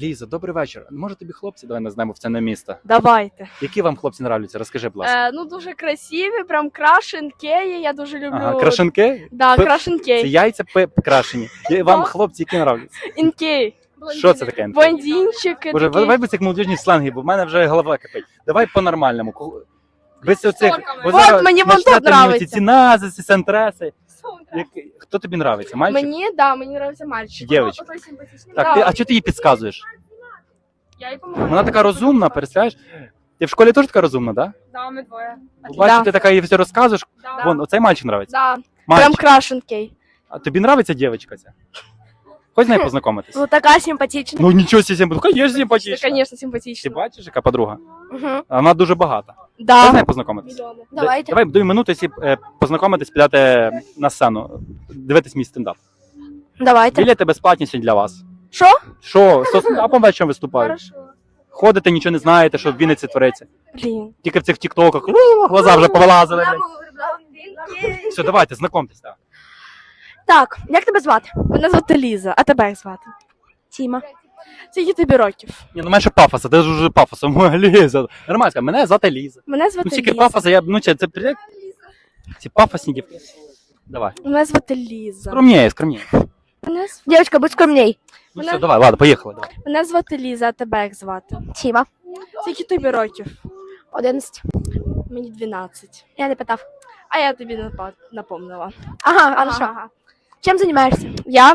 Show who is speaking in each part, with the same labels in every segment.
Speaker 1: Ліза, добрий вечір. Може тобі хлопці, давай назвемо в це не місто.
Speaker 2: Давайте.
Speaker 1: Які вам хлопці нравляться? Розкажи, будь ласка.
Speaker 2: Ну дуже красиві, прям крашенкеї, я дуже люблю.
Speaker 1: Ага, крашенки?
Speaker 2: Да,
Speaker 1: Це
Speaker 2: крашенкей.
Speaker 1: яйця крашені. Вам хлопці які нравляться?
Speaker 2: Інкей.
Speaker 1: Що це таке?
Speaker 2: Блондинчики
Speaker 1: Боже,
Speaker 2: такі.
Speaker 1: давай без цих молодіжні сленги, бо в мене вже голова кипить. Давай по-нормальному. Без оцих...
Speaker 2: Вот, мені вон тут нравиться.
Speaker 1: Ці назиси, сентреси. Хто тобі нравиться? Мальчик?
Speaker 2: Мені нравиться мальчик.
Speaker 1: Дівчинка.
Speaker 2: Отой симпатичний.
Speaker 1: Так, а чого ти їй підказуєш?
Speaker 2: Я їй помагаю.
Speaker 1: Вона така розумна, представляєш? Ти в школі теж така розумна, так?
Speaker 2: Да, ми двоє.
Speaker 1: Бачиш, ти така їй все розказуєш.
Speaker 2: Да.
Speaker 1: Вон, оцей мальчик нравиться.
Speaker 2: Да. Прям
Speaker 1: Мальчик.
Speaker 2: крашенкей.
Speaker 1: А тобі нравиться дівчинка ця? Хоч з нею познайомитись?
Speaker 3: Ну, така симпатична.
Speaker 1: Ну нічого себе, конечно, симпатична.
Speaker 2: Конечно,
Speaker 1: Ти
Speaker 2: симпатично.
Speaker 1: бачиш, яка подруга?
Speaker 3: Угу.
Speaker 1: А вона дуже багата. Хоч з
Speaker 2: Да.
Speaker 1: нею познайомитись?
Speaker 3: Давайте.
Speaker 1: Давай до минути, якщо познайомитись, підете на сцену, дивитись мій стендап.
Speaker 3: Давайте.
Speaker 1: Білети безплатні сьогодні для вас.
Speaker 3: Що?
Speaker 1: Що? З стендапом вечором виступаю.
Speaker 2: Хорошо.
Speaker 1: Ходите, нічого не знаєте, що в Вінниці твориться.
Speaker 2: Блін.
Speaker 1: Тільки в цих тіктоках, глаза вже повилазили. блядь. Все, давайте, знайомтесь. Так.
Speaker 3: Так, як тебе звати?
Speaker 2: Мене звати Ліза, а тебе як звати?
Speaker 3: Тіма.
Speaker 2: Скільки тобі років?
Speaker 1: Ні, ну менше пафоса, ти ж уже пафосом. Ліза. Нормально, сказати, мене звати Ліза.
Speaker 2: Мене звати
Speaker 1: Ну стільки
Speaker 2: Ліза.
Speaker 1: пафоса, я, ну це привіт. Ці пафосні дівки. Давай.
Speaker 2: Мене звати Ліза.
Speaker 1: Скромніє.
Speaker 3: Дівчинка, будь скромней.
Speaker 1: Ну все, давай, ладно, поїхали. Давай.
Speaker 2: Мене звати Ліза, а тебе як звати?
Speaker 3: Тіма.
Speaker 2: Скільки тобі років?
Speaker 3: 11.
Speaker 2: Мені 12.
Speaker 3: Я не питав.
Speaker 2: А я тобі напомнила.
Speaker 3: Ага, хорошо. Чим займаєшся?
Speaker 2: Я,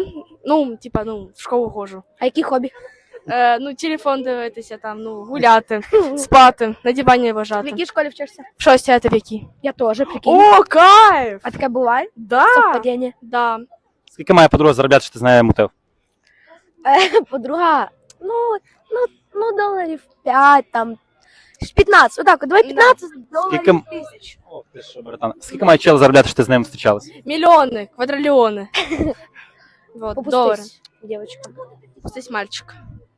Speaker 2: в школу ходжу.
Speaker 3: А які хобі?
Speaker 2: Телефон дивитися, там, гуляти, спати, на дивані
Speaker 3: В
Speaker 2: лежати.
Speaker 3: якій школі вчишся?
Speaker 2: В шостій, а ти в якій?
Speaker 3: Я теж, прикинь.
Speaker 2: О, кайф!
Speaker 3: А таке буває?
Speaker 2: Да!
Speaker 3: Совпадіння.
Speaker 2: Да.
Speaker 1: Скільки має подруга заробляти, що ти з нею мутив?
Speaker 3: Подруга, доларів 5, там, 15, отак, от, давай 15 доларів
Speaker 1: Скільки-
Speaker 3: тисяч.
Speaker 1: О, ти що, братан. Скільки має чел заробляти, що ти з ним зустрічалась?
Speaker 2: Мільйони, квадрильйони. Вот, долари.
Speaker 3: Попустись, дівчинка.
Speaker 2: Попустись, мальчик.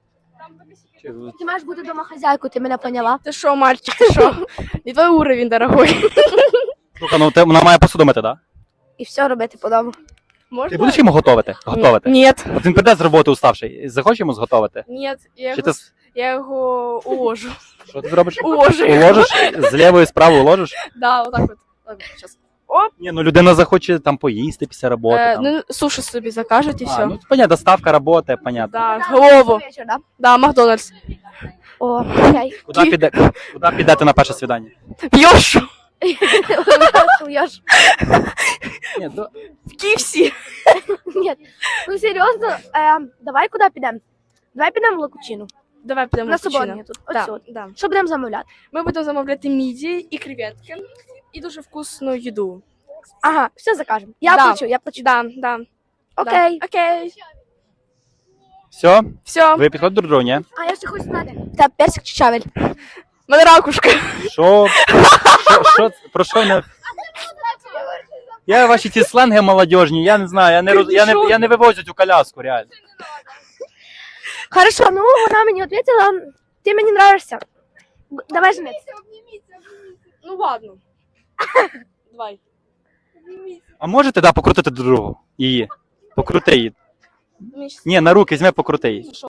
Speaker 3: Ти маєш бути домохозяйкою, ти мене поняла?
Speaker 2: Ти що, мальчик, ти що? Не твій уровень, дорогой.
Speaker 1: Слухай, ну вона має посуду мити, так?
Speaker 3: І все робити по дому.
Speaker 2: Можна?
Speaker 1: Ти будеш йому готувати?
Speaker 2: Ні.
Speaker 1: От він прийде з роботи уставший. Захочеш йому зготовити?
Speaker 2: Ні,
Speaker 1: Чи ти
Speaker 2: я його уложу.
Speaker 1: що ти робиш?
Speaker 2: Уложу.
Speaker 1: Уложиш? З лівої справи уложиш?
Speaker 2: Да, отак от. Так, щас.
Speaker 1: Ні, ну людина захоче там поїсти після роботи. Там.
Speaker 2: Ну, суші собі закажуть і все.
Speaker 1: Ну, понятно, доставка роботи, понятно.
Speaker 2: Да, голову.
Speaker 3: Вечір, да?
Speaker 2: Да, Макдональдс.
Speaker 3: О, окей.
Speaker 1: Куди підете на перше свідання?
Speaker 2: Йошу.
Speaker 3: Суєш.
Speaker 1: Ні,
Speaker 2: В Київсі.
Speaker 3: Ні, ну серйозно, давай куди підемо? Давай підемо в Локучину.
Speaker 2: Давай підемо
Speaker 3: На
Speaker 2: в Кучино.
Speaker 3: суботні тут.
Speaker 2: Да,
Speaker 3: Ось от.
Speaker 2: да.
Speaker 3: Що будемо замовляти?
Speaker 2: Ми будемо замовляти міді і креветки. І дуже вкусну їду.
Speaker 3: Ага, все закажемо. Я
Speaker 2: Да.
Speaker 3: плачу.
Speaker 2: Да.
Speaker 3: Окей.
Speaker 2: Да. Окей.
Speaker 1: все?
Speaker 2: Все.
Speaker 1: Ви підходите до другого, ні?
Speaker 3: А я ще хочу знати. Та персик чи чавель?
Speaker 2: Мене ракушка.
Speaker 1: Що? Про що не... Я ваші ці сленги молодіжні, я не знаю, я не вивозю цю коляску, реально.
Speaker 3: Хорошо, ну вона мені відповіла, ти мені нравишся. Давай жениться.
Speaker 2: Ну ладно. Давай.
Speaker 1: А можете, покрутити до другого? Її? Покрути її.
Speaker 2: Мені щас-
Speaker 1: Ні, на руки візьми, покрути її.